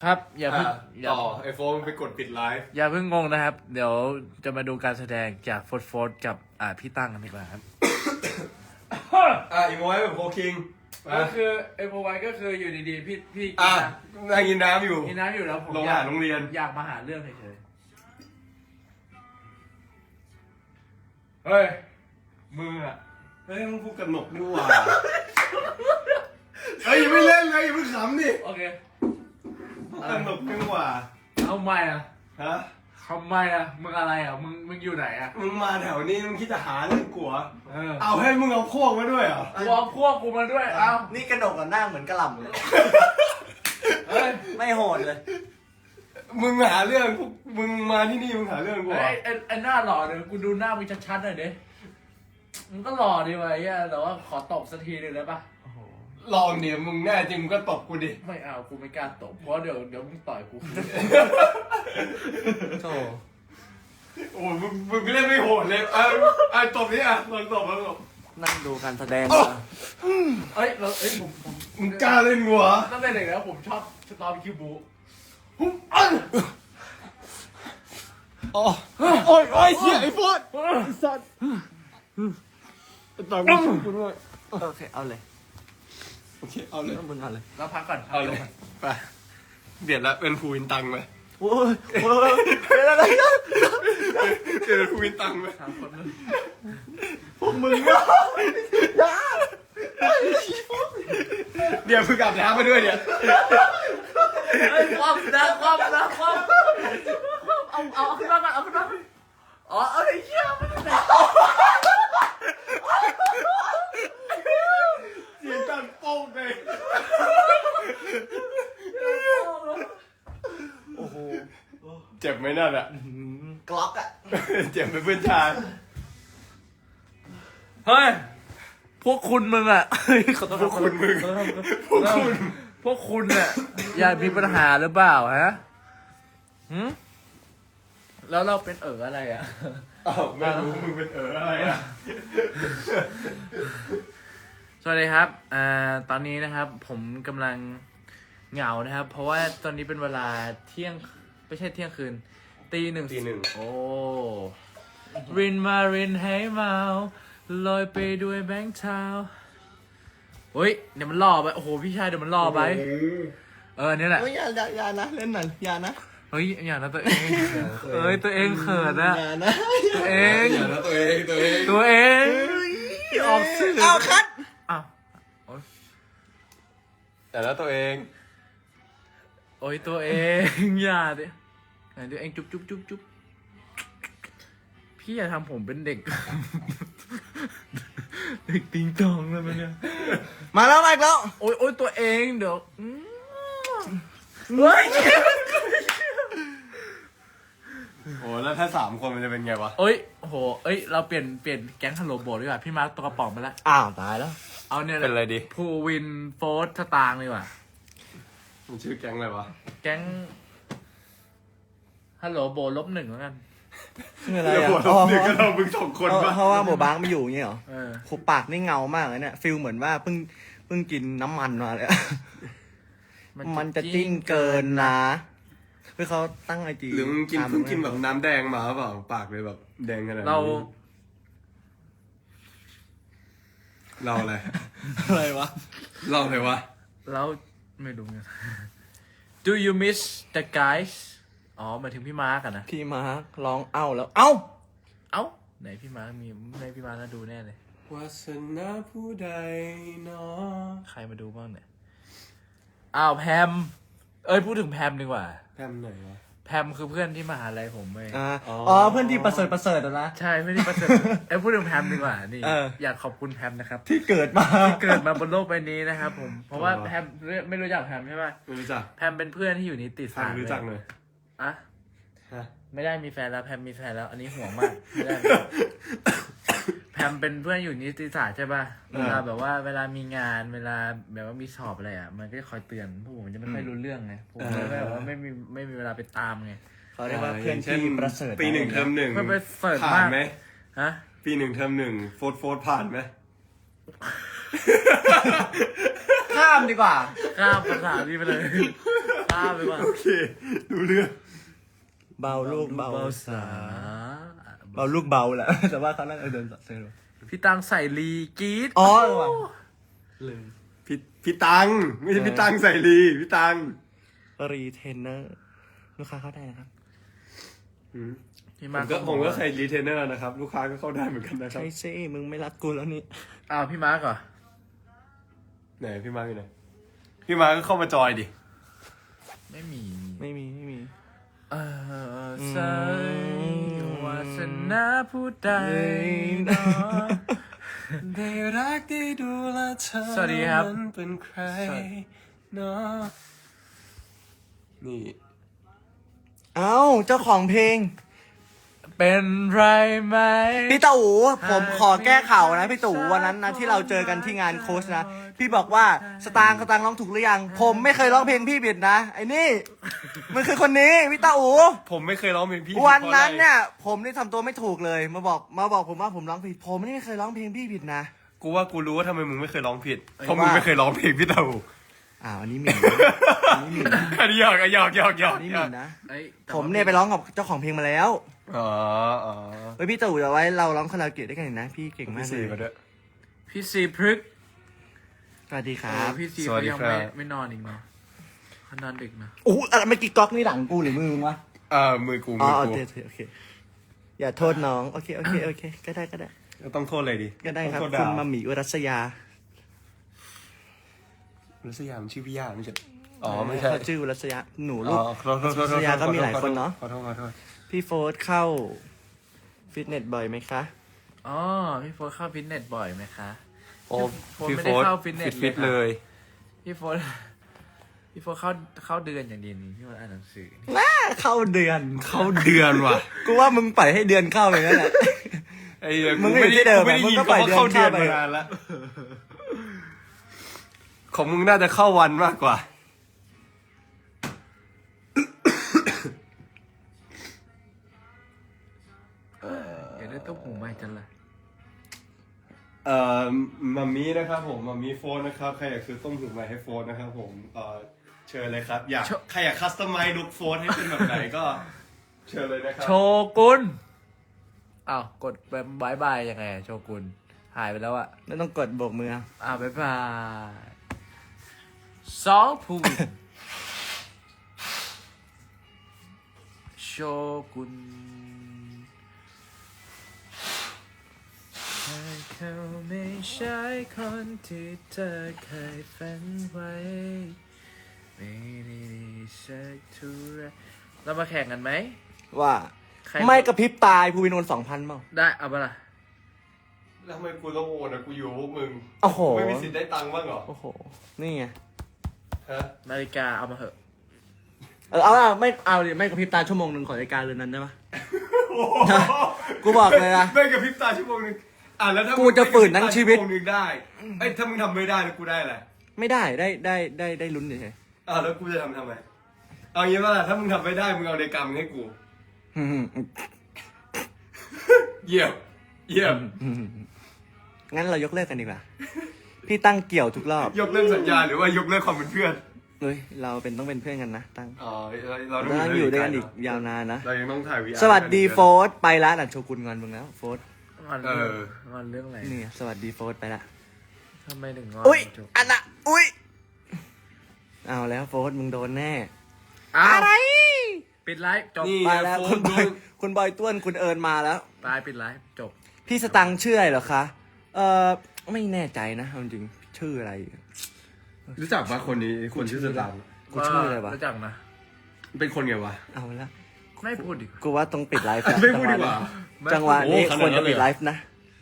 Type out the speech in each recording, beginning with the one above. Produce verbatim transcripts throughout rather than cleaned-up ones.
ครับอย่าเพิ่งต่อไอโฟนไปกดปิดไลฟ์อย่าเพิ่งงงนะครับ เดี๋ยวจะมาดูการแสดงจากโฟร์โฟร์กับอ่าพี่ตั้งกันดีกว่าครับอ่ะอีโมไว้แบบโคคิงก็คือเอ็มโอไวก็คืออยู่ดีๆพี่พี่อ่ะนั่งกินน้ำอยู่กินน้ำอยู่แล้วผมโรงอาหารโรงเรียนอยากมาหาเรื่องเฉยๆเฮ้ยมึงอ่ะเฮ้ยมึงพูดกันหนกนี่หว่าเฮ้ยอย่าไม่เล่นเลยอย่าเพิ่งขำดิโอเคพูดกันหนกนี่หว่าทำไมอ่ะฮะทำไมอ่ะมึงอะไรอ่ะมึงมึงอยู่ไหนอ่ะมึงมาแถวนี้มึงคิดจะหาเรื่องกลัวเออเอาให้มึงเอาพวกมาด้วยเหรอกูเอาพวกกูมาด้วยเอ้านี่กระดกกับหน้าเหมือนกระหล่ำเลยเฮ้ยไม่โหดเลยมึงหาเรื่องพวกมึงมาที่นี่มึงหาเรื่องกูเหรอไอ้ไอ้ไอ้หน้าหล่อเดี๋ยวกูดูหน้ามึงชัดๆหน่อยดิมึงก็หล่อดีวะไอ้เหี้ยแต่ว่าขอตบสักทีหนึ่งได้ปะลองเดี๋ยวมึงแน่จริงมึงก็ตบกูดิไม่เอากูไม่กล้าตบเพราะเดี๋ยวเดี๋ยวมึงต่อยกูโธ่โอ้มึงมึงเล่นไม่โหดเลยอ่ะอ่ะตบนี่อ่ะลองตบลองตบนั่งดูการแสดงเอ้ยเราเอ้ยผมผมมึงกล้าเล่นหัวตั้งแต่เด็กแล้วผมชอบสตอร์คิวบูหุ้มอันอ๋อโอ้ยโอ้ยเสียไอ้ฟอดสัตว์ต่อยมึงกูด้วยโอเคเอาเลยโอเคเอาเลยมึงเอาเลยเราพักก่อนเอาเลยไปเบียดแล้วเป็นภูวินตังไหมโอ้ยโอ้ยเป็นอะไรกันเป็นภูวินตังไหมสามคนเลยพวกมึงเนี่ยเดี๋ยวเพิ่งกลับน้ำมาด้วยเนี่ยเฮ้ยความนะความนะความเอาเอาเอาขึ้นมาก่อนเอาขึ้นมาอ๋อเอาไอ้เหี้ยมันไหนเสียงดังโป๊กเลยโอ้โหเจ็บไหมนั่นอะกล็อกอะเจ็บเป็นเพื่อนชายเฮ้ยพวกคุณมึงอะพวกคุณมึงพวกคุณพวกคุณเนี่ยอยากมีปัญหาหรือเปล่าฮะหืมแล้วเราเป็นเอ๋ออะไรอ่ะอ้าวไม่รู้มึงเป็นเอ๋ออะไรอ่ะสวัสดีครับอ่าตอนนี้นะครับผมกำลังเหงานะครับเพราะว่าตอนนี้เป็นเวลาเที่ยงไม่ใช่เที่ยงคืนตีหนึ่งตีหนึ่งโอ้รินมารินให้เมาลอยไปด้วยแบงค์เท้าเฮ้ยเดี๋ยวมันล่อไปโอ้โหพี่ชายเดี๋ยวมันล่อไปเออนี่แหละอย่าอย่าอย่านะเล่นหน่อยอย่านะเฮ้ยอย่านะตัวเองเอ้ยตัวเองเขินนะอย่านะตัวเองอย่านะตัวเองตัวเองตัวเองออกสื่อเอาคัดอ้าวแต่แล้วตัวเองโอ้ยตัวเองอย่าดิไหนตัวเองจุ๊บจุ๊บจุ๊บจุ๊บพี่อย่าทำผมเป็นเด็กเด็กติงตองเลยมันเนี่ยมาแล้วมาอีกแล้วโอ้ยโอ้ยตัวเองเดี๋ยวเฮ้ยโอ้แล้วถ้าสามคนมันจะเป็นไงวะเอ้ยโหเอ้ยเราเปลี่ยนเปลี่ยนแก๊งฮัลโหลโบดดีกว่าพี่มาร์คตัวกระป๋องไปแล้วอ้าวตายแล้วเอาเนี่ยเป็นอะไรดีภูวินโฟร์สตางค์ดีกว่ามันชื่อแก๊งอะไรวะแก๊งฮัลโหลโบลบหนึ่งแล้วกันคืออะไรอ่ะอ๋อเดี๋ยวก็เรามึงสองคนเพราะว่าโบบ้างไม่อยู่อย่างเงี้ยเหรอขบปากนี่เงามากเลยเนี่ยฟิลเหมือนว่าเพิ่งเพิ่งกินน้ำมันมาเลยมันจะจิ้นเกินนะเพื่อเขาตั้งไอจีหรือมึงกินเพิ่งกินแบบน้ำแดงมาเปล่าปากเลยแบบแดงขนาดนี้เราเราอะไรอะไรวะเราอะไรวะเราไม่รู้ไง Do you miss the guys อ๋อหมายถึงพี่มาร์กอะนะพี่มาร์กร้องเอ้าแล้วเอ้าเอ้าไหนพี่มาร์กมีในพี่มาร์กน่าดูแน่เลยวาสนาผู้ใดเนาะใครมาดูบ้างเนี่ยอ้าวแพมเอ้ยพูดถึงแพมดีกว่าแพมไหนวะแพมคือเพื่อนที่มหาลัยผมเองอ๋อเพื่อนที่ประเสริฐประเสริฐนะใช่เพื่อนที่ประเสริฐเอ้ยพูดถึงแพมดีกว่านี่อยากขอบคุณแพมนะครับที่เกิดมาที่เกิดมาบนโลกใบนี้นะครับผมเพราะว่าแพมไม่รู้จักแพมใช่ไหมไม่รู้จักแพมเป็นเพื่อนที่อยู่นิติศาสตร์รู้จักเลยอะไม่ได้มีแฟนแล้วแพมมีแฟนแล้วอันนี้ห่วงมากไม่ได้แพมเป็นเพื่อนอยู่นิติศาสตร์ใช่ป่ะเวลาแบบว่าเวลามีงานเวลาแบบว่ามีสอบอะไรอ่ะมันก็จะคอยเตือนพวกผมจะไม่ค่อยรู้เรื่องไงผมเลยแบบว่าไม่มีไม่มีเวลาไปตามไงเขาเรียกว่าเพื่อนที่ประเสริฐปีหนึ่งเทอมหนึ่งมันไปเสิร์ฟผ่านไหมฮะปีหนึ่งเทอมหนึ่งโฟร์โฟร์ผ่านไหมข้ามดีกว่าข้ามภาษานี้ไปเลยข้ามไปว่าโอเคดูเรื่องเบาลูกเบาเบาสาเบาลูกเบาแหละ แต่ว่าเขานั่งเดินเซอร์พี่ตังใส่ลีกรีดอ๋อเออว่ะลืมพี่พี่ตังไม่ใช่พี่ตังใส่ลีพี่ตังรีเทนเนอร์ลูกค้าเข้าได้นะครับพี่ผมาร์มคก็ผมก็ใส่รีเทนเนอร์นะครับ ลูกค้าก็เข้าได้เหมือนกันนะครับใช่สิมึงไม่รักกูแล้วนี่อ้าวพี่มาร์กเหรอไหนพี่มาร์คอยู่ไหนพี่มาร์คก็เข้ามาจอยดิไม่มีไม่มีไม่มีเออใส่วาสนาผู้ใดเนาะได้รักได้ดูแลเธอสวัสดีครับมันเป็นใครเนาะนี่เอ้าเจ้าของเพลงเป็นไรไหมพี่ตู่ผมขอแก้ข่าวนะพี่ตู่วันนั้นนะที่เราเจอกันที่งานโค้ชนะพี่บอกว่าสตางค์สตางค์ร้องถูกหรือยัง ผมไม่เคยร้องเพลงพี่ผิดนะไอ้นี่มันคือคนนี้พี่ตู่ผมไม่เคยร้องเพลงพี่วันนั้นพราะอะไรเนี่ยผมนี่ทำตัวไม่ถูกเลยมาบอกมาบอกผมว่าผมร้องผิดผมไม่เคยร้องเพลงพี่ผิดนะกูว่ากูรู้ว่าทำไมมึงไม่เคยร้องผิดเอ้ยเพราะมึงว่าไม่เคยร้องเพลงพี่เต่าอ้าวอันนี้หมิ่นนะอันนี้หมิ่นนะอันนี้หยอกอะหยอกหยอกหยอกอันนี้หมิ่นนะเอ้ยแต่ผมว่าเนี่ยไปร้องกับเจ้าของเพลงมาแล้วอ๋ออ๋อเฮ้ยพี่ตู่เดี๋ยวไว้เราร้องคาราโอเกะด้วยกันอีกนะพี่เก่งมากพี่เลสี่ยมาด้วยพี่ซีพฤกษ์สวัสดีคโอ้รับพี่ซีสวัเขาสดียังครับไม่ไม่นอนอีกเนาะเขานอนดึกนะอู้อะไรเมื่อกี้ก๊อกนี่หลังกูหรือมือมึงวะอ่ามือกูอ๋อมือโอกูเคโอเคอย่าโทษน้องโอเคโอเคโอเคก็ได้ก็ได้ต้องโทษอะไรดิก็ได้ครับต้องโทษคุดาณวมามีอุรัสยารัสยามนชื่อพี่ย่าไม่ใช่อ๋อไม่ใช่เขาชื่ออุรัสยาหนูอ๋ลูอก ขอโทษขอโทษขอโทษรัสยาก็มีหลายคนเนอะขอโทษขอโทษพี่โฟร์เข้าฟิตเนสบ่อยไหมคะอ๋อพี่โฟร์เข้าฟิตเนสบ่อยไหมคะโอ้ผมพี่ไม่โฟได้ร์เข้าฟิตเนสฟิตเลยครับเลยพี่โฟร์พี่โฟร์เข้าเข้าเดือนอย่างเดียวนี้พี่โฟร์อ่านหนังสือเข้าเดือนเข้าเดือนว่ะกูว่ามึงปล่อยให้เดือนเข้าไปนั่นแหละไอ้เหี้ยมึงก็อยู่ที่เดิมไม่ได้มึงยินก็ปล่อยคำว่าเข้าเดืเดืออน นเข้าไปมานานแล้วของมึงน่าจะเข้าวันมากกว่าอยากได้ต้มหูใหม่จังเลยเอ่อมัมมี่นะครับผมมัมมี่โฟนนะครับใครอยากซื้อต้มหูใหม่ให้โฟนนะครับผมเอ่อเชิญเลยครับอยากใครอยากคัสตอมไมซ์ลุคโฟนให้เป็นแบบไหนก็ เชิญเลยนะครัโชกุนอ้าวกดแบบบายบายยังไงอะโชกุนหายไปแล้วอะไม่ต้องกดโบกมืออ้าวบายบายสองพูนโชกุนให้เขาไม่ใช่คนที่เธอเคยฝันไว้ไม่ได้ดีสักเท่าไรเรามาแข่งกันไหมว่าใครไม่กระพริบตายภูวินโอนสองพันเปล่าได้เอาไปะละแล้วทำไมกูต้องโอนอ่ะกูอยู่กับพวกมึงโอ้โหไม่มีสิทธิ์ได้ตังค์บ้างเหรอโอ้โหนี่ไงฮะนาฬิกาเอามาเถอะเออเอาละไม่เอาดิไม่กระพริบตาชั่วโมงหนึ่งขอรายการเรือนนั้นได้ปะ กูบอกเลยนะไม่กระพริบตาชั่วโมงนึงอ่ะแล้วถ้ากูจะฝืนทั้งชีวิตชั่วโมงนึงได้ไอ้ยถ้ามึงทำไม่ได้แล้วกูได้แหละไม่ได้ได้ได้ได้ได้ลุ้นเฉยอ่ะแล้วกูจะทำทำไมเอางี้ว่าถ้ามึงทำไม่ได้มึงเอานาฬิกามึงให้กูๆอืมเยี่ยมเยี่ยมงั้นเรายกเลิกกันดีกว่า พี่ตั้งเกี่ยวทุกรอบยกเลิกสัญญาหรือว่ายกเลิกความเป็นเพื่อนเฮ้ยเราเป็นต้องเป็นเพื่อนกันนะตั้งอ๋อเราเราต้องอยู่ด้วยกันอีกยาวนานนะเรายังต้องถ่ายวีสวัสดีโฟร์ธไปละหลังโชกุนงอนมึงแล้วโฟร์ธงอนเอเรื่ององอนเรื่องอะไรนี่ไงสวัสดีโฟร์ธไปละทำไมถึงงอนอุ้ยจบอันน่ะอุ้ยเอาแล้วโฟร์ธมึงโดนแน่อ้าวอะไรปิดไลฟ์จบนี่ไปแล้วโฟคุนณบดูอยคุณบอยต้วนคุณเอิญมาแล้วตายปิดไลฟ์จบพี่สตังค์ชื่ออะไรเหรอคะ เอ่อไม่แน่ใจนะเอาจริงๆชื่ออะไรรู้จักปะคนนี้คนชื่อสตางค์กูชื่ออะไรวะรู้จักนะเป็นคนไงวะเอาละไม่พูดดิกูว่าต้องปิดไลฟ์แล้วไม่พูดดีกว่าจังหวะนี้โอ้ขนาดนั้นควรจะปิดเลยเหรอไลฟ์นะ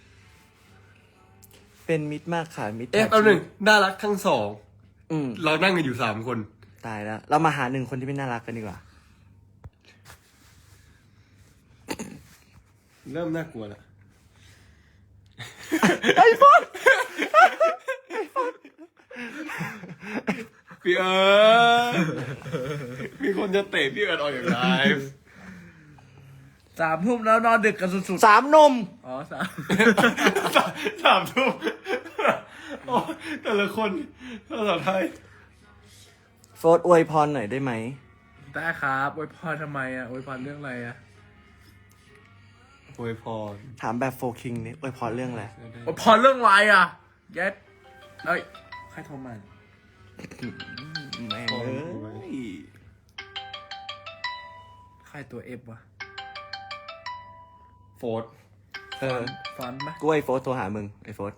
เป็นมิตรมากค่ะมิตรเอ๊ะเอาหนึ่งน่ารักทั้งสองอืมเรานั่งกันอยู่สามคนตายแล้ว เรามาหาหนึ่งคนที่ไม่น่ารักกันดีกว่าเริ่มน่ากลัวแล้วไอ้ฟอนพี่เอิร์ธมีคนจะเตะพี่เอิร์ธออกจากไลฟ์สามทุ่มแล้วนอนดึกกันสุดสามหนมๆอ๋อสามสามสามทุ่มโอ้แต่ละคนภาษาไทยโฟร์อวยพรหน่อยได้ไหมได้ครับอวยพรทำไมอ่ะอวยพรเรื่องอะไรอ่ะอวยพรถามแบบโฟคิงนี่อวยพรเรื่องอะไรอวยพรเรื่องอะไรอ่ะเย็ดเอ้ยใครโทรมาแม่งเอ้ยใครตัวเอฟวะโฟร์เออฟอนต์ปะกูไอโฟร์โทรหามึงไอโฟร์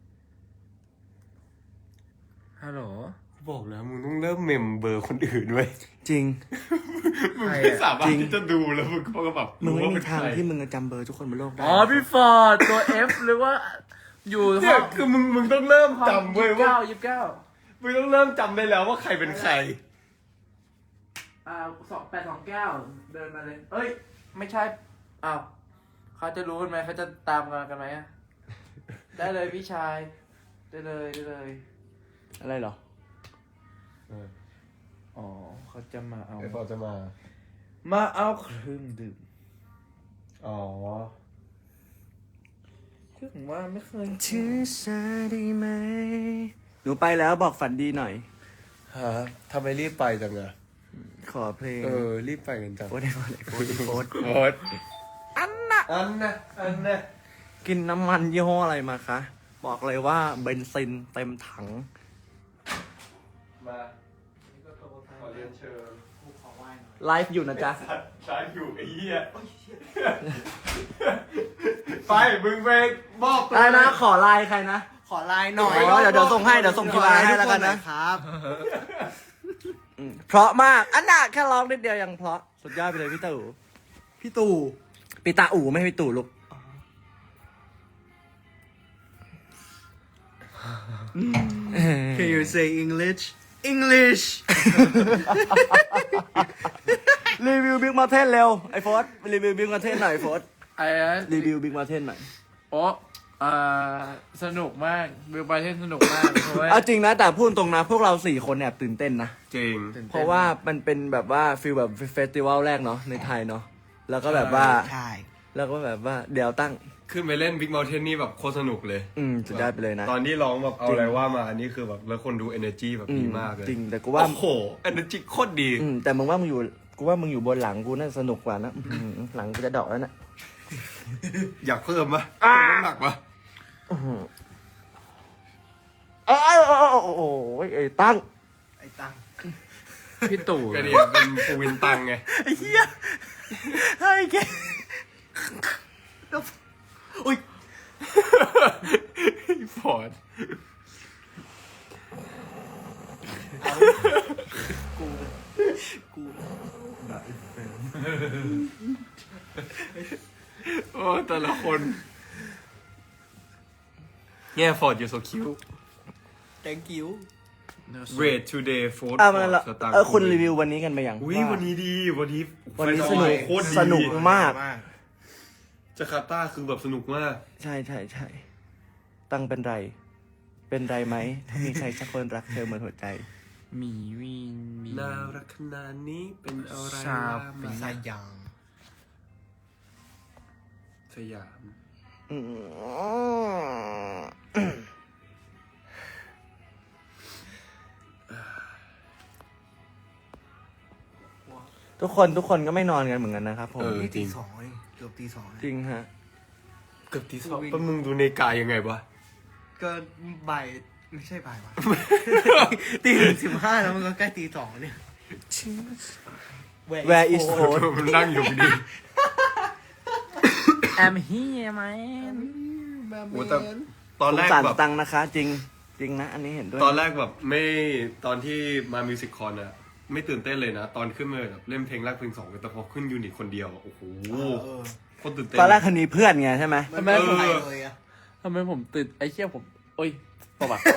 ฮัลโหลบอกแล้วมึงต้องเริ่มเมมเบอร์คนอื่นไว้ยจริงมึงไม่สามารถที่จะดูแล้วมึงก็แบบมึงไม่รู้มีว่เป็นทางใครที่มึงจะจำเบอร์ทุกคนบนโลกได้อ๋อพี่ฟอร์ดตัวเอฟหรือว่าอยู่ห้เนี่อย งคือมึงมึงต้องเริ่มจำเว้ยว่าเก้ายี่สิบเก้ามึงต้องเริ่มจำได้แล้วว่าใครเป็นใครอ่าสองแปดสองเก้าเดินมาเลย เอ้ย ไม่ใช่อ้าวเขาจะรู้กันไหมเขาจะตามกันกันไหมอะได้เลยพี่ชาย ได้เลยได้เลยอะไรเหรออ๋อเขาจะมาเอาไอ้พอจะมามาเอาเครื่องดื่มอ๋อคือผมว่าไม่เคยชื่อซาดีไหมหนูไปแล้วบอกฝันดีหน่อยฮะทำไมรีบไปจังอะขอเพลงเออ รีบไปกันจังโฟร์ไอโฟร์ไอโฟร์ไอโฟร์โคตรอันน่ะ อันน่ะ อันน่ะกินน้ำมันยี่ห้ออะไรมาคะ บอกเลยว่าเบนซินเต็มถังมาขอเรียนเชิญไลฟ์อยู่นะจ๊ะใช้อยู่ไอ้เหี้ย ไป มึงไปมอบตัวได้นะ ขอไลน์ใครนะขอไลน์หน่อยอ๋อเดี๋ยวเดี๋ยวส่งให้เดี๋ยวส่งทีไลน์ให้แล้วกันนะครับอืมเพราะมาก อันน่ะแค่ร้องนิดเดียวยังเพราะ สุดยอดไปเลยพี่ตู่พี่ตู่ปีตาอู่ไม่ให้พี่ตู่ลูก Can you say English English รีวิวบิ๊กมาเทนเร็ว ไอ้โฟร์รีวิวบิ๊กมาเทนหน่อยโฟร์ไอ้นะรีวิวบิ๊กมาเทนหน่อยโอ้อ่าสนุกมากวิวไปเทนสนุกมากเพราะว่าเอาจริงนะ แต่พูดตรงนะ พวกเราสี่คนแอบตื่นเต้นนะจริงเพราะว่ามันเป็นแบบว่าฟิลแบบเฟสติวัลแรกเนาะในไทยเนาะ แล้วก็แบบว่าใช่แล้วก็แบบว่าเดี๋ยวตั้งขึ้นไปเล่น Big Mountain นี่แบบโคตรสนุกเลยอืมสุดยอดไปเลยนะตอนที่ร้องแบบเอาอะไรว่ามา อันนี้คือแบบแล้วคนดู energy แบบอืดีมมากเลยจริง แต่กูว่าโอ้โห energy โคตรดีอืมแต่มึงว่ามึงอยู่ กูว่ามึงอยู่บนหลังกูน่าสนุกกว่านะอืมหลังกูจะดอกแล้วนะอยากเพิ่มปะเพิ่มน้ำหนักปะเอ้ยโอ้โหไอ้ตั้งไอ้ตังพี่ตู่ก็ดีเป็นปูวินตังไงไอ้เหี้ยไอ้แกอุ้ยฟอร์ดกูโอ้แต่ละคนเนี่ยฟอร์ด you're so cute thank you Great today Ford อ่ะมันละสตางค์เออคุณรีวิววันนี้กันไปยังอุ้ยวันนี้ดีวันนี้วันนี้ไฟสนุกโคตรดีสนุกมากจาการ์ตาคือแบบสนุกมากใช่ใช่ใช่ตั้งเป็นไร เป็นไรไหม ถ้ามีใครสักคนรักเธอเหมือนหัวใจหมีวินมีน่ารักขนาดนี้เป็นอะไรชาบมาสายยางสยามอืมทุกคนทุกคนก็ไม่นอนกันเหมือนกันนะครับผมเออนี่จริตีงสองเองเกือบตีสองจริงฮะเกือบตีสองแล้วมึงดูในกายยังไงวะก็บ่ายไม่ใช่บ่ายวะ ตีหนึ่งสิบห้าแล้วมันก็ใกล้ตีสองเนี่ย Where is Ford มันนั่งอยู่ดีแอมเฮียไหมโอ้แต่ตอนสแรง กสารแบบตังค์นะคะ จริง จริงนะ อันนี้เห็นด้วยตอนแรกแบบไม่ตอนที่มามิวสิคคอนอะไม่ตื่นเต้นเลยนะ ตอนขึ้นมาแบบเล่นเพลงแรกเพลงสองแต่พอขึ้นยูนิตคนเดียวอะโอ้โหเออโคตรตื่นเต้นตอนแรกคันนี้เพื่อนไงใช่ไหมมันไม่ไปเลยอะทำไมผมตื่นไอ้เชี่ยผมโอ้ยประวัติ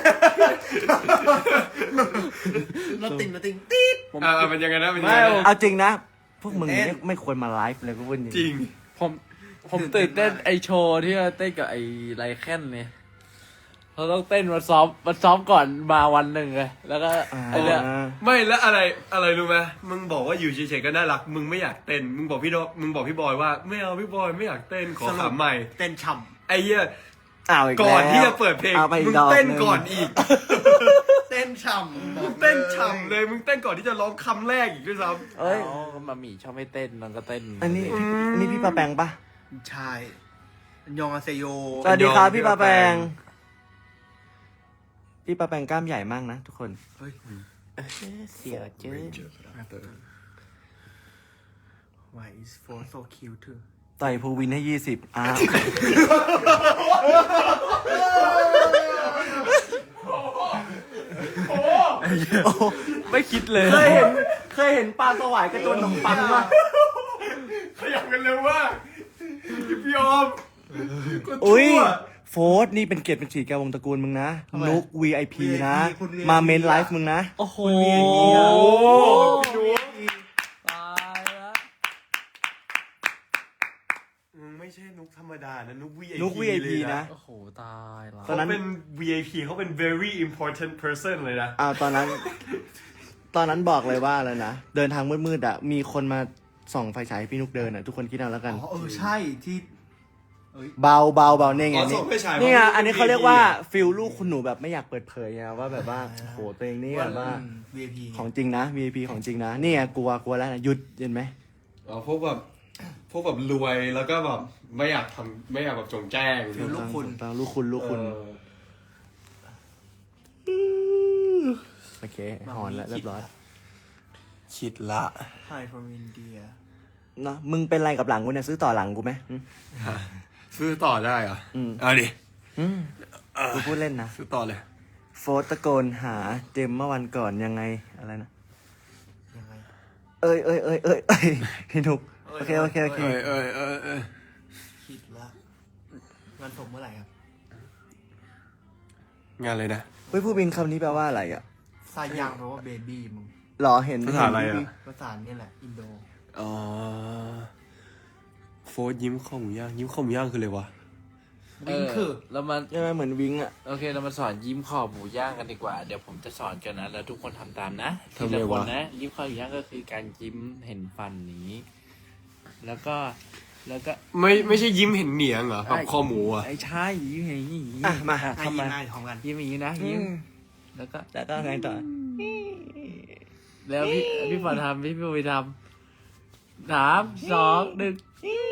รถติ่งรถติ่งตีดผมอ่ามันยังไงนะมันยังไม่ไงผมนะเอาจริงนะ พวกมึงเต้นไม่ไม่ควรมาไลฟ์เลยก็พูดจจริริงงผมผมตื่นเต้นไอโชว์ที่เราเต้นกับไอไรแคนเนี่ยเราต้องเต้นมาซ้อมมาซ้อมก่อนมาวันหนึ่งเลยแล้วก็อ่าไอเนี่ยไม่แล้วอะไรอะไรรู้ไหมมึงบอกว่าอยู่เฉยๆก็น่ารัก มึงไม่อยากเต้น มึงบอกพี่โดมึงบอกพี่บอยว่าไม่เอาพี่บอยไม่อยากเต้นขอขำใหม่เต้นฉ่ไอ้เหี้ยอ้าวอีกแล้วก่อนที่จะเปิดเพลงเอาไปอีมึกงดอกเต้นหนึ่งก่อนอีกเต้นฉ่ำบอกเต้นฉ่ำเลย มึงเต้นก่อนที่จะร้องคำแรกอีกด้วยซ้เอ้ยก็มาหมี่ชอบให้เต้นมันก็เต้นอันนี้อันนี้พี่ปาแปงปะใช่อันยองอาเซโยสวัสดีครับพี่ปาแปง พี่ปาแปงกล้ามใหญ่มากนะทุกคนเฮ้ยเสียเจ๊ Why is Ford so cute too ต่อยภูวินให้ยี่สิบอ้าวไม่คิดเลยเคยเห็นเคยเห็นปลาสวายกระโจนขนมปังปะำขยับกันเร็วมากพี่ออมก็อุ้ยชั่วโฟร์ธนี่เป็นเกียรติเป็นสีแกวงตระกูลมึงนะ นุก วี ไอ พี นะคุณ วี ไอ พีมาเมนไลฟ์มึงนะโอ้โหโอ้พี่นุ๊กตายละมึงไม่ใช่นุ๊กธรรมดานะนุ๊ก วี ไอ พีนุก วี ไอ พี นะโอ้โหตายละตอนเขานั้นเป็น วี ไอ พี เขาเป็น very important person เลยนะอ้าวตอนนั้น ตอนนั้นบอกเลยว่าอะไรนะ เดินทางมืดๆอ่ะ มีคนมาส่องไฟฉายให้พี่นุกเดินอ่ะ ทุกคนคิดเอาแล้วกันอ๋อเออใช่ที่เบาเบาเบาเนี่ยไงอ๋อนี่ส่องไฟฉายนี่ไงเพราะอันนี้เขาเรียกว่าฟิลลูกคุณหนูแบบไม่อยากเปิดเผยไงว่าแบบว่าโอ้โหตัวเองนี่แบบว่าวี ไอ พีของจริงนะ วี ไอ พี ของจริงนะนี่ไงกลัวกลัวแล้วนะหยุดเห็นไหมอ๋อพวกแบบพวกแบบรวยแล้วก็แบบไม่อยากทำไม่อยากแบบจงแจ้งฟิลลูกคุณตามลูกคุณลูกคุณเออโอเคหอนแล้วเรียบร้อยคิดละ Hi from India เนาะมึงเป็นอะไรกับหลังกูเนี่ยซื้อต่อหลังกูไหมหึซื้อต่อได้เหรออืมเอาดิอืมกูพูดเล่นนะซื้อต่อเลยโฟร์ตะโกนหาเจมเมื่อวันก่อนยังไงอะไรนะยังไงเอ้ยเอ้ยเอ้ยเอ้ยเอ้ยพี่นุกโอเคโอเคโอเคเออเออเออเออคิดละงานผมเมื่อไหร่ครับงานเลยนะเฮ้ยผู้บินคำนี้แปลว่าอะไรอ่ะซายังแปลว่าเบบี้มึงหรอเห็นภาษาอะไรอ่ะภาษาเนี่ยแหละ อินโดอ๋อโฟร์ยิ้มข้าวหมูย่างยิ้มข้าวหมูย่างคืออะไรวะวิงคือเรามาใช่ไหมเหมือนวิงอ่ะโอเคเรามาสอนยิ้มขอบหมูย่างกันดีกว่า เดี๋ยวผมจะสอนกันนะ แล้วทุกคนทำตามนะทำทีไงละคนวะนะ ยิ้มขอบหมูย่างก็คือการยิ้มเห็นฟันนี้ แล้วก็แล้วก็ไม่ไม่ใช่ยิ้มเห็นเหนียงเหรอแบบคอหมูอ่ะไอ้ใช่ยิ้มอย่างนี้อ่ะมาง่ายทำไมง่ายพร้อมกันยิ้มอย่างนี้นะยิ้มแล้วก็แล้วก็ไงต่อแล้วพี่พี่ฝนทำพี่พี่ไปทำสามสองหนึ่ง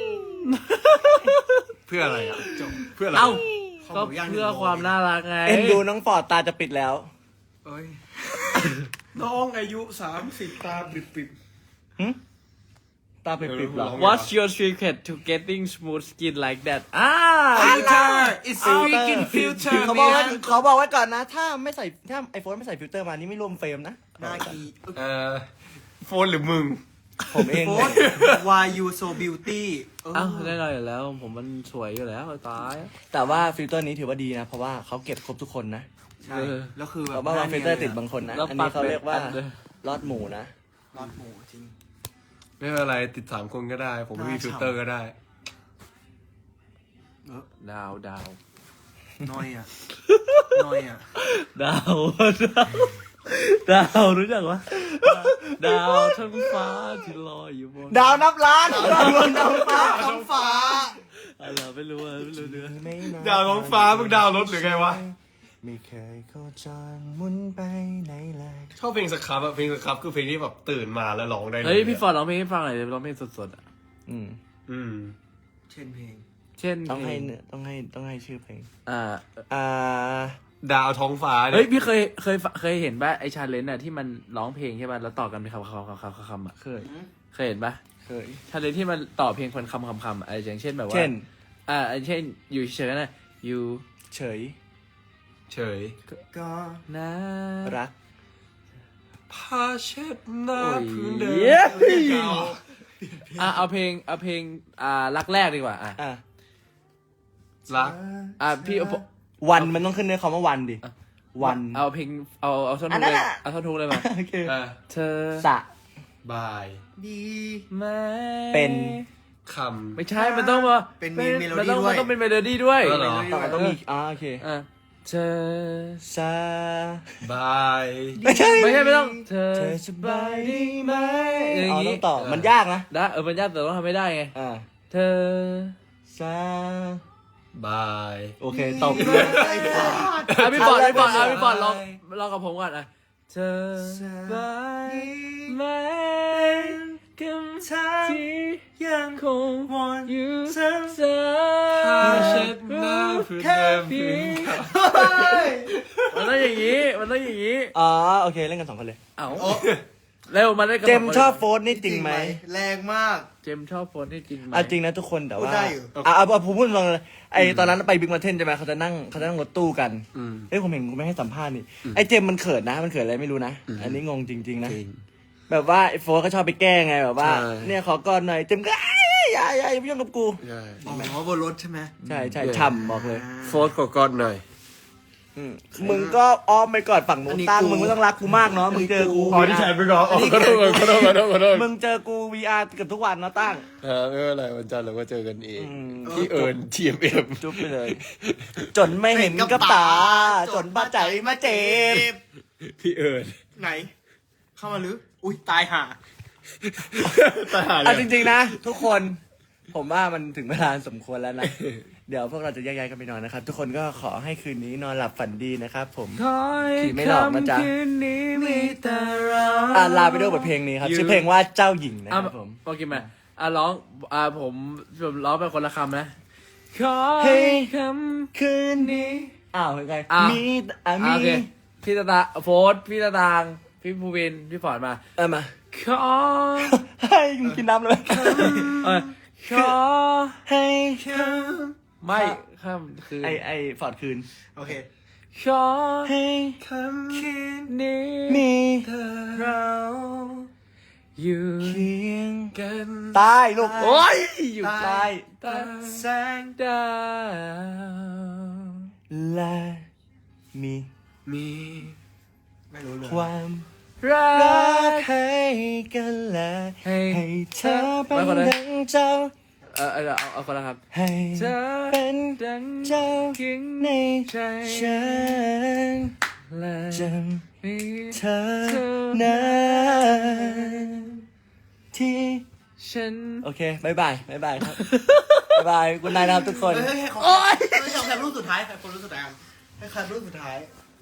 เพื่ออะไรอ่ะจบเพื่ออะไรเอ้าข้าวก็หมูย่างเพื่อความน่ารักไงเอ็นดูน้องฟอร์ดตาจะปิดแล้วเอ้ยน้องอายุสามสิบตาปิดปิดตาปิดปิดหรอ What's your secret to getting smooth skin like that อ่า filter it's freaking filter เขาบอกว่า man เขาบอกไว้ก่อนนะ ถ้าไม่ใส่ถ้าไอโฟนไม่ใส่ฟิลเตอร์มานี่ไม่รวมเฟรมนะนากีเอ่อโฟนหรือมึงผมเองโฟน Why you so beauty เออเอ้าแน่นอนอยู่แล้ว ผมมันสวยอยู่แล้วตายแต่ว่าฟิลเตอร์นี้ถือว่าดีนะ เพราะว่าเขาเก็บครบทุกคนนะใช่เออแล้วคือแบเขาบบอกว่าฟิลเตอร์ติดบางคนนะแล้วอันปันี้กเขาเรียกว่าเป็นอันเลยลอดหมูนะรอดหมูจริงไม่เป็นไรติดสามคนก็ได้ ผมไม่มีได้ฟิลเตอร์ก็ได้เออดาวดาวน้อยอ่ะ น้อยอ่ะดาวดาวดาวรู้จักวะดาวทั้งฟ้าที่ลอยอยู่บนดาวนับล้านดาวบนดาวฟ้าท้องฟ้าอะไรไม่รู้อะไม่รู้เนื้อไม่นนดาวท้องฟ้ามึงดาวรถหรือไงวะไม่เคยโคจรหมุนไปไหนเลยชอบเพลงสครับอะเพลงสครับคือเพลงที่แบบตื่นมาแล้วร้องได้ลเฮ้ยพี่ฟอร์ดร้องเพลงให้ฟังหน่อยดิร้องเพลงสดๆอะอืมอืมเช่นเพลงเช่นต้องให้เพลงเนื้อต้องให้ต้องให้ชื่อเพลงอ่าอ่าดาวท้องฟ้าเฮ้ยเนี่ยพี่เคยเคยเคยเห็นป่ะไอชาเลนจ์อะที่มันร้องเพลงใช่ป่ะแล้วต่อกันเป็นคำคำคำคำคำคำอะเคยเคยเห็นป่ะเคยชาเลนจ์ที่มันต่อเพลงคนคำคำคำอะไรอย่างเช่นแบบว่าเช่นอ่าเช่นอยู่เฉยๆนะอยู่เฉยเฉยก็นะรักผ้าเช็ดหน้าโอ้ยพื้นเดิมเย้เรื่องเก่าอ่ะเอาเพลงเอาเพลงอ่ารักแรกดีกว่าอ่ะอ่ะรักอ่ะพี่เอาวันมันต้องขึ้นในคำว่าวันดิ วันเอาเพลงเอาเอาท่อนอัทุนกนั้นเลยอะเอาท่อนทุกเลยมาโอเคเออเธอสะบายดีไหม่เป็นคไม่ใช่มันต้องมาเป็นมีเมโลดี้นต้องด้วยมันต้องเป็นเมโลดี้ด้วยเออเหรอต่อต้องมีอ่าโอเคอ่ะเธอสะำบายไม่ใช่ไม่ใช่ไม่ต้อง เธอเธอสบายดีไหมอย่างอ๋องี้ต้องต่อมันยากนะได้เออมันยากแต่ต้องทำไม่ได้ไงอ่าเธอสะบายโอเคตบไอ้บ้าอ่ะพี่บอลพี่บอลอ่ะอะไรพี่บอลลองอะไรลองกับผมก่อนอ่ะเธอสบายไหมกับที่ยังคงวันอยู่เส้นสายเช็ดน้ำเพื่อเดิมพีมันต้องอย่างนี้มันต้องอย่างนี้อ๋อโอเคเล่นกันสองคนเลยเอ้าเร็วมาเล่นกับเจมส์ชอบโฟนนี่จริงไหมแรงมากเจมส์ชอบโฟนที่จริงไหมอ่ะจริงนะทุกคนแต่พูดว่าได้อยู่อ่ะเอาเอาผมพูดตรงเลยไอตอนนั้นไปบิ๊กมาเทนใช่ไหมเขาจะนั่งเขาจะนั่งรถตู้กันอืมเอ้ยผมเห็นกูไม่ให้สัมภาษณ์นี่ไอเจมส์มันเขินนะมันเขินอะไรไม่รู้นะอันนี้งงจริง ๆ นะจริงแบบว่าไอโฟนก็ชอบไปแกล้งไงแบบว่าใช่เนี่ยขอกอดหน่อยเจมส์ก็ไอ้ยอย่าอย่าอย่ามายุ่งกับกูใช่อ๋อบนรถใช่ไหมใช่ใช่ฉ่ำบอกเลยโฟร์กกอดหน่อยอืมมึงก็อ้อมไปกอดฝั่งนู้อันนนี้ตั้งกูมึงไม่ต้องรักกูมากเนาะมึงเจอกูอ๋อที่แชร์ไปก่อนอ๋อขอโทษขอโทษขอโทษขอโทษมึงเจอกู วี อาร์ เกือบทุกวันเนาะตั้งเออไม่เป็นไรวันจันทร์เราก็เจอกันเองอืมที่เอิญทีเอ็มเอ็มจุ๊บไปเลย จนไม่เห็นกับตา จนบ้าใจมาเจ็บพี่เอิญไหน เข้ามาหรือ อุ้ยตายห่าตาหาเลเอายจริงๆนะ ทุกคน ผมว่ามันถึงเวลาสมควรแล้วนะ เดี๋ยวพวกเราจะแยกย้ายกันไปนอนนะครับ ทุกคนก็ขอให้คืนนี้นอนหลับฝันดีนะครับผมขอให้ขี่ไม่หลอกนะจ๊ะค่ำคืนนี้มีแต่เราอ่าลาไปด้วยบทเพลงนี้ครับ ชื่อเพลงว่าเจ้าหญิงนะคอ่ะรับผมโอเคไหมอ่ะร้องอ่ะผมผมร้องเป็นคนละคำนะขอเฮ้ให้ยคคืนนี้อ้าวยังไงอ้าวมีอ่ะำมีอ่ะโอเคพี่ตาตาโฟสพี่ตาตางพี่ภูวินพี่ฟอร์ดมาเออมาขอให้มึงกินน้ำเลยเออขอให้ไม่ข้ามคือไอไอฟอร์ดคืนโอเคขอให้คำคิดนี้มีเรา อยู่เคียงกันตายลูกโอ้ยอยู่ตายใต้แสงดาวและมีมี ไม่รู้เลยความรัรักกให้กันและให้ให้เธอเป็นไม่คนละดังเจ้าเออเออเอาเอาคนละครับให้เธอเป็นดังเจ้าคิงในใจฉันและจมีำเธอนั้นที่ฉันโอเคบายบายบายบายครับ บายบายคุณนายนะครับทุกคนเฮ้ยให้เขาให้เขาแคปรูปสุดท้ายใครคนรูปสุดท้ายกันให้ใครรูปสุดท้าย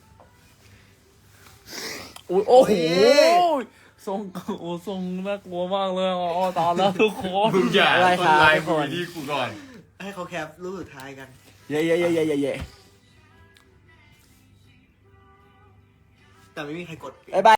อุ๊ยโอ้โหโอ้ยทรงโอ้ทรงน่ากลัวมากเลยอ๋อตอนแล้วทุกคนมึงอย่าอะไรครับไลน์ทุกกูคนที่กูก่อนให้เขาแคปรูปสุดท้ายกันเย่เย่เย่เย่เย่เย่แต่ไม่มีใครกดบายบาย